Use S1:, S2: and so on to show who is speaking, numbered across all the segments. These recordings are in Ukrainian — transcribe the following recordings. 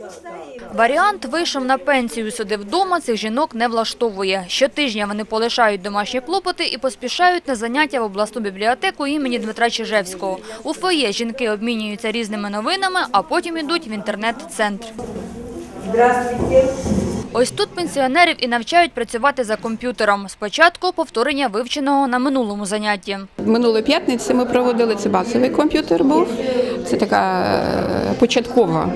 S1: Варіант «вийшов на пенсію, сидив вдома» цих жінок не влаштовує. Щотижня вони полишають домашні клопоти і поспішають на заняття в обласну бібліотеку імені Дмитра Чижевського. У фоє жінки обмінюються різними новинами, а потім йдуть в інтернет-центр.
S2: Здравствуйте.
S1: Ось тут пенсіонерів і навчають працювати за комп'ютером. Спочатку повторення вивченого на минулому занятті.
S3: Минулої п'ятниці ми проводили, це базовий комп'ютер був, це така початкова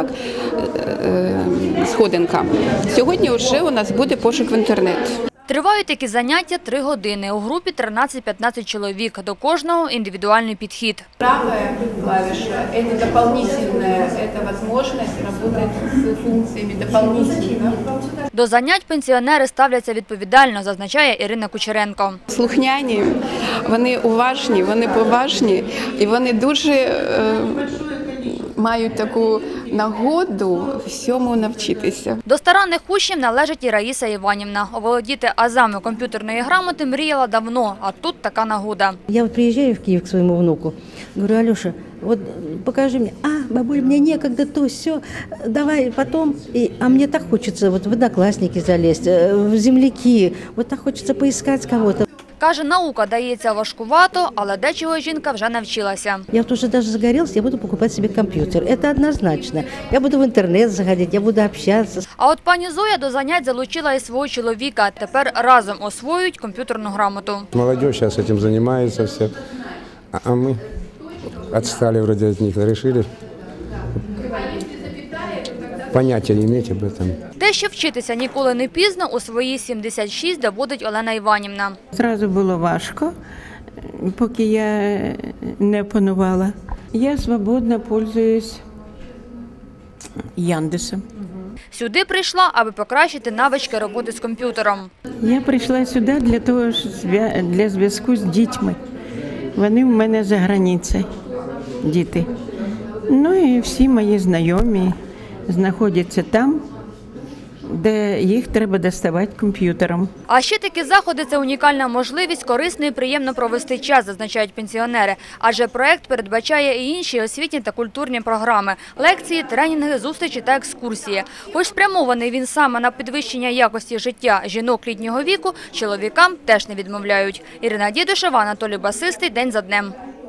S3: сходинка. Сьогодні вже у нас буде пошук в інтернет.
S1: Тривають такі заняття 3 години. У групі 13-15 чоловік. До кожного індивідуальний підхід.
S3: Правая клавиша – это дополнительная, это возможность работать с функциями дополнительно.
S1: До занять пенсіонери ставляться відповідально, зазначає Ірина Кучеренко.
S3: Слухняні, вони уважні, вони поважні і вони дуже мають таку нагоду всьому навчитися.
S1: До старанних учнів належить і Раїса Іванівна. Оволодіти азами комп'ютерної грамоти мріяла давно, а тут така нагода.
S4: Я вот приезжаю в Киев к своему внуку, говорю: Алеша, вот покажи мне, бабуль, мне некогда, то все, давай потом. А мне так хочется вот в Одноклассники залезть, в земляки, вот так хочется поискать кого-то.
S1: Каже, наука дається важкувато, але дечого жінка вже навчилася.
S4: Я вот уже даже загорелась, я буду покупать себе компьютер, это однозначно. Я буду в интернет заходить, я буду общаться.
S1: А от пані Зоя до занять залучила і свого чоловіка. Тепер разом освоюють комп'ютерну грамоту.
S5: Молодежь сейчас этим занимается все, а мы отстали вроде от них, решили понятия иметь об этом.
S1: Те, що вчитися ніколи не пізно, у свої 76 доводить Олена Іванівна.
S6: Зразу було важко, поки я не опанувала. Я свободно пользуюсь Яндексом.
S1: Сюди прийшла, аби покращити навички роботи з комп'ютером.
S6: Я прийшла сюди для зв'язку з дітьми. Вони в мене за границею, діти. Ну і всі мої знайомі знаходяться там, де їх треба доставати комп'ютером.
S1: А ще такі заходи – це унікальна можливість корисно і приємно провести час, зазначають пенсіонери. Адже проект передбачає і інші освітні та культурні програми – лекції, тренінги, зустрічі та екскурсії. Хоч спрямований він саме на підвищення якості життя жінок літнього віку, чоловікам теж не відмовляють. Ірина Дідушева, Анатолій Басистий. День за днем.